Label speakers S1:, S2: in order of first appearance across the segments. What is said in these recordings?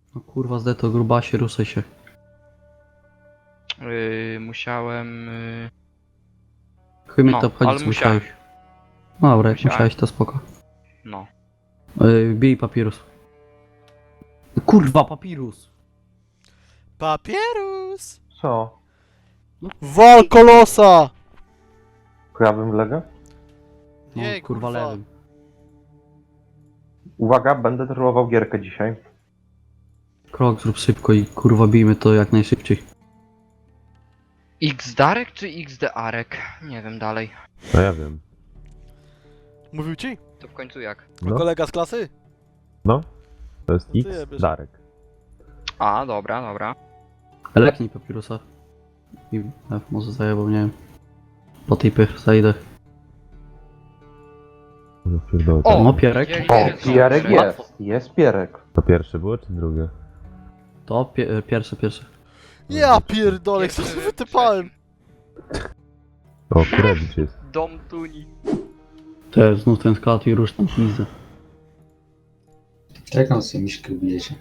S1: No kurwa, zdeto grubasie, rusaj się.
S2: Musiałem...
S1: Chuj mnie
S2: No,
S1: to obchodzi,
S2: ale
S1: co
S2: musiałem.
S1: musiałeś. No dobra, jak
S2: Musiałem.
S1: musiałeś, to spoko.
S2: No.
S1: Bij papirus. Kurwa, papirus!
S3: Papierus!
S4: Co?
S3: Wal kolosa!
S4: Prawym, lewym?
S1: No,
S3: Nie,
S1: kurwa,
S3: kurwa.
S1: lewym.
S4: Uwaga, będę trollował gierkę dzisiaj.
S1: Krok zrób szybko i kurwa bijmy to jak najszybciej.
S2: X-Darek czy XD-Arek? Nie wiem dalej.
S5: No ja wiem.
S3: Mówił ci?
S2: To w końcu jak?
S5: No,
S3: Kolega z klasy?
S5: no. To jest
S3: No ty
S5: X,
S3: jebiesz.
S5: Darek.
S2: A, dobra, dobra.
S1: Leknij papirusa. I może zajebał, nie wiem. Po tipy zajdę.
S5: No pierdolę.
S2: O!
S1: No Pierek.
S2: widzieli,
S4: O,
S2: że są
S4: Pierek
S2: trzy.
S4: jest. Jest Pierek.
S5: To pierwsze było czy drugie?
S1: To pierwsze.
S3: Ja pierdolę, co
S2: Pierwszy,
S3: wytypałem?
S5: O, Kuredicz jest.
S2: Dom Tuni.
S1: To jest znów ten skład i rusz tam pizdę.
S6: Jaką sobie miśkę bijecie?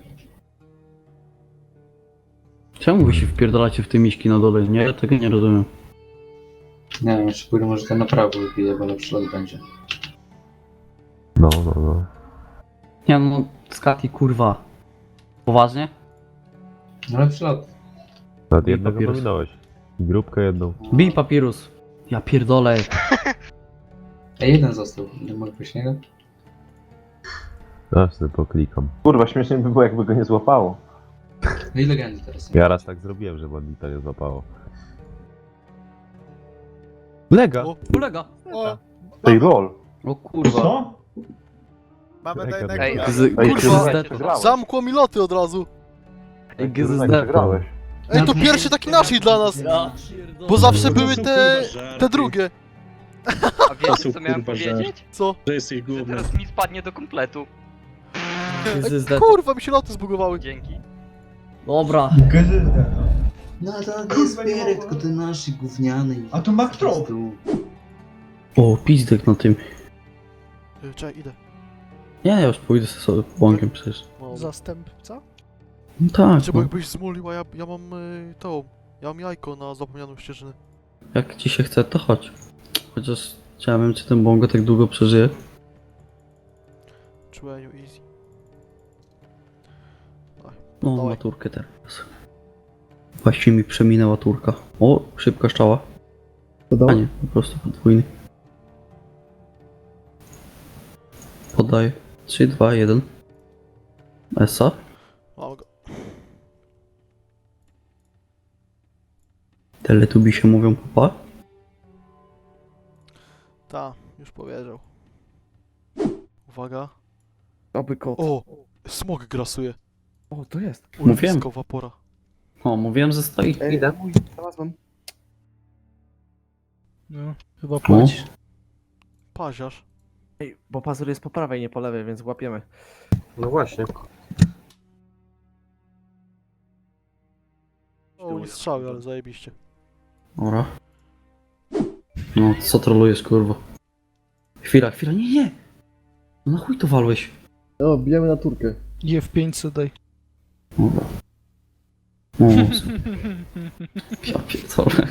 S1: Czemu wy się wpierdalacie w te miśki na dole? Nie, tego nie rozumiem.
S6: Nie wiem, jeszcze pójdę może to na prawo wybiję, bo lepszy lot będzie.
S5: No.
S1: Nie no, Skati kurwa. Poważnie?
S6: No lepszy lot.
S5: Nawet
S1: I
S5: jednego
S1: papierus.
S5: pominąłeś. I grupkę jedną.
S1: Bij papirus. Ja pierdolę.
S6: Ej, jeden został. Nie mogę pójść niego?
S5: Aż sobie poklikam.
S4: Kurwa, śmiesznie by było, jakby go nie złapało.
S6: No i legendy teraz są.
S5: Ja raz tak zrobiłem, że bandita nie złapało. Lega!
S3: O,
S1: Kolega.
S3: o,
S4: Tej lol.
S1: O kurwa.
S3: mamy
S5: Czekaj,
S3: na
S2: Ej,
S3: jednego.
S4: Ej,
S3: Kurwa,
S4: ty przegrałeś.
S3: Zamkło mi loty od razu.
S1: Ej,
S4: Ty
S1: GZD.
S4: przegrałeś.
S3: Ej, to pierwszy taki naszej dla nas.
S1: Ja
S3: Bo zawsze były te drugie.
S2: A wiecie co miałem powiedzieć?
S3: Co?
S7: Że jesteś
S2: Że
S7: główny.
S2: teraz mi spadnie do kompletu.
S1: GZD.
S3: Kurwa, mi się loty zbugowały.
S2: Dzięki.
S1: Dobra.
S6: No to jest Pierek, tylko ten nasz gówniany.
S8: A to Mac Trop.
S1: O, pizdek na tym.
S3: Czekaj, idę.
S1: Nie, ja już pójdę sobie bąkiem przecież.
S3: No.
S8: Zastępca?
S1: No tak,
S3: Czy
S1: no.
S3: jakbyś zmulił, a ja mam tą. Ja mam jajko na zapomnianą ścieżynę.
S1: Jak ci się chce, to chodź. Chociaż chciałem, czy ten bongo tak długo przeżyje.
S3: Czułeniu, easy.
S1: No,
S3: Dawaj.
S1: maturkę teraz. Właściwie mi przeminęła turka. O, szybka szczała. A nie, po prostu podwójny. Podaję. 3, 2, 1. Esa.
S3: Mam go.
S1: Teletubi się mówią papa.
S3: Ta, już powiedział. Uwaga.
S9: Oby kot.
S3: O! Smog grasuje.
S9: O, to jest.
S1: Mówiłem.
S3: Urwiskowa pora.
S1: O, mówiłem, że stoi.
S9: Idę. Znalazłem.
S8: No, chyba
S1: O,
S8: płać.
S3: Paziarz.
S9: Ej, bo pazur jest po prawej, nie po lewej, więc łapiemy.
S4: No właśnie.
S3: O, nie strzały, ale zajebiście.
S1: dobra. No, co trolujesz, kurwa? Chwila, nie! No na chuj to walłeś?
S9: O, bijemy na turkę.
S8: Je w 500 daj.
S1: Dobra. O, ja pierdolę.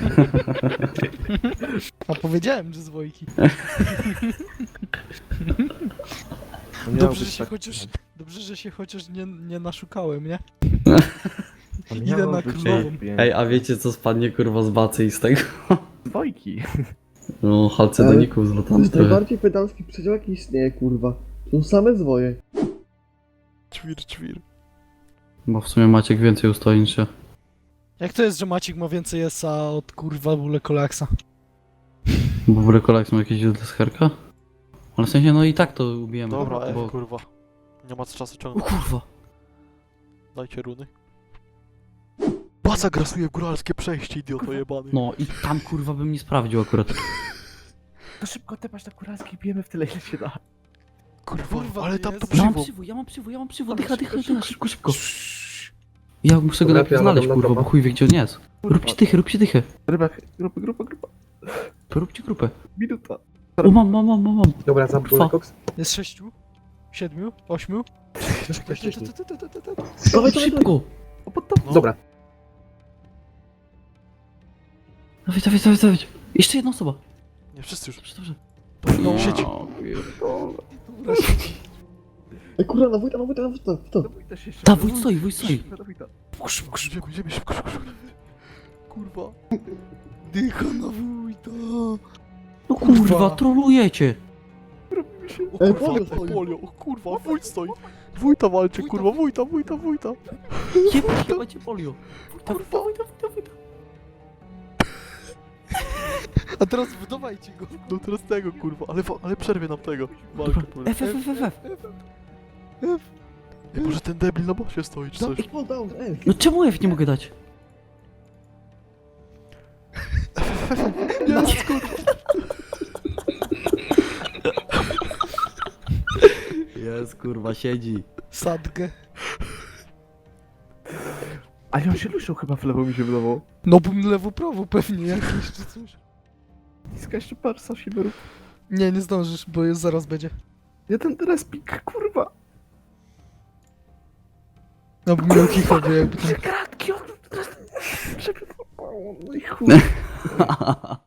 S8: A powiedziałem, że z Wojki.
S9: To miało
S8: Dobrze,
S9: być
S8: że się
S9: tak-
S8: chociaż, dobrze, że się chociaż nie naszukałem, nie?
S9: to
S8: Idę
S9: miało
S8: na
S9: być
S8: królową.
S9: pięć.
S1: Ej, a wiecie co spadnie kurwa z bacy i z tego?
S9: Dwojki.
S1: No, halcedoników z
S10: To
S1: lotami
S10: jest
S1: trochę.
S10: najbardziej pedalski przedział jaki istnieje, kurwa. To są same zwoje.
S3: Ćwir.
S1: Bo w sumie Maciek więcej ustoi niż ja.
S8: Jak to jest, że Maciek ma więcej esa od kurwa bóle kolaksa?
S1: Bo w rekolach są jakieś źródła z herka? Ale w sensie, no i tak to ubijemy.
S3: Dobra,
S1: bo...
S3: kurwa. Nie ma co czasu
S1: O
S3: ciągnąć.
S1: kurwa.
S3: Dajcie runy. Baza grasuje w góralskie przejście, idioto jebany.
S1: No i tam kurwa bym nie sprawdził akurat.
S9: To szybko tepać na kuralski i bijemy w tyle, ile się da.
S3: Kurwa, ale tam to
S8: Jezu.
S3: przywo.
S1: Ja mam przywód, dycha, szybko. Ja muszę go najpierw znaleźć, kurwa, bo chuj wie gdzie on jest. Róbcie dychę.
S9: Grupa.
S1: Róbcie grupę.
S9: Minuta.
S1: O, mam.
S4: Dobra,
S1: Kurwa.
S4: koks.
S8: Jest 6? 7, 8.
S1: Dawaj szybko!
S8: No.
S4: Dobra.
S1: Dawaj, dawaj, dawaj, dawaj. Jeszcze jedna osoba.
S8: Nie, wszyscy już.
S1: Dobrze, dobrze.
S8: No, siedzi. Dobra, siedzi.
S10: Ej, kurwa, na wójta, w to.
S1: Ta, wójt stoi, wójt stoi.
S8: Idziemy szybko, szybko. Kurwa. Dycha na wójta.
S1: No kurwa, trolujecie.
S8: O
S10: Ej,
S8: kurwa,
S10: polio stoi.
S8: polio, o kurwa, wójt stoi. Wójta walczy, kurwa, wójta.
S1: Jebajcie polio. Kurwa, wójta.
S8: A teraz wydawajcie go. No teraz tego, kurwa, ale przerwie nam tego.
S1: Dobra,
S8: Walkę,
S1: F.
S8: Ej, może ten debil na bosie stoi, czy coś?
S10: Fall down, ej.
S1: No czemu F nie mogę dać?
S8: Jest, kurwa.
S1: Jest, kurwa, siedzi.
S8: Sadgę.
S9: Ale on się ruszał chyba w lewo, mi się wydawało.
S8: No bym lewo prawo pewnie jakieś czy coś.
S9: Niska jeszcze parsa się rób.
S8: Nie, nie zdążysz, bo jest zaraz będzie.
S9: Jeden respik, kurwa.
S8: No bym miał kicha, bo jakby ten...
S9: Kratki, on... No i chuj.